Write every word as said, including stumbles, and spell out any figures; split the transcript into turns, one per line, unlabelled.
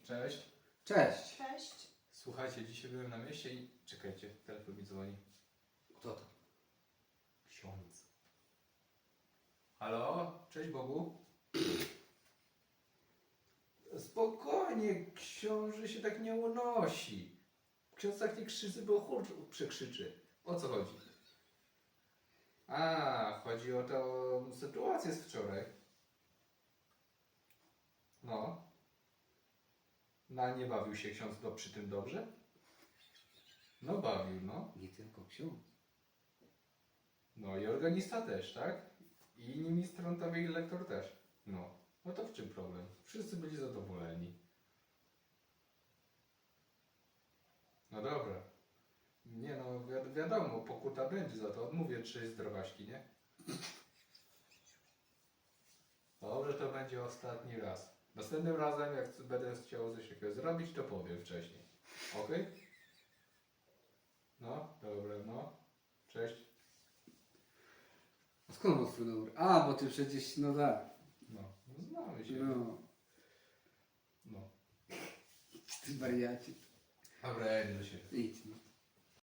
Cześć.
Cześć.
Cześć.
Słuchajcie, dzisiaj byłem na mieście i... Czekajcie, telefon mi dzwoni.
Kto to?
Ksiądz. Halo? Cześć Bogu. Spokojnie, książę się tak nie unosi. Ksiądz tak nie krzyczy, bo chór przekrzyczy. O co chodzi? A, chodzi o tę sytuację z wczoraj. No. Na nie bawił się ksiądz do, przy tym dobrze? No bawił, no.
Nie tylko ksiądz.
No i organista też, tak? I inni ministrantowie i lektor też. No. No to w czym problem? Wszyscy byli zadowoleni. No dobra. Nie no, wi wiadomo, pokuta będzie za to. Odmówię trzy zdrowaśki, nie? Dobrze, to będzie ostatni raz. Następnym razem, jak będę chciał coś takiego zrobić, to powiem wcześniej. Okej? No, dobra, no. Cześć.
A skąd masz twój numer? A, bo ty przecież, no tak.
No, no znamy się.
No.
No.
Ty wariacie.
Dobra, ja idę do siebie.
Idź no.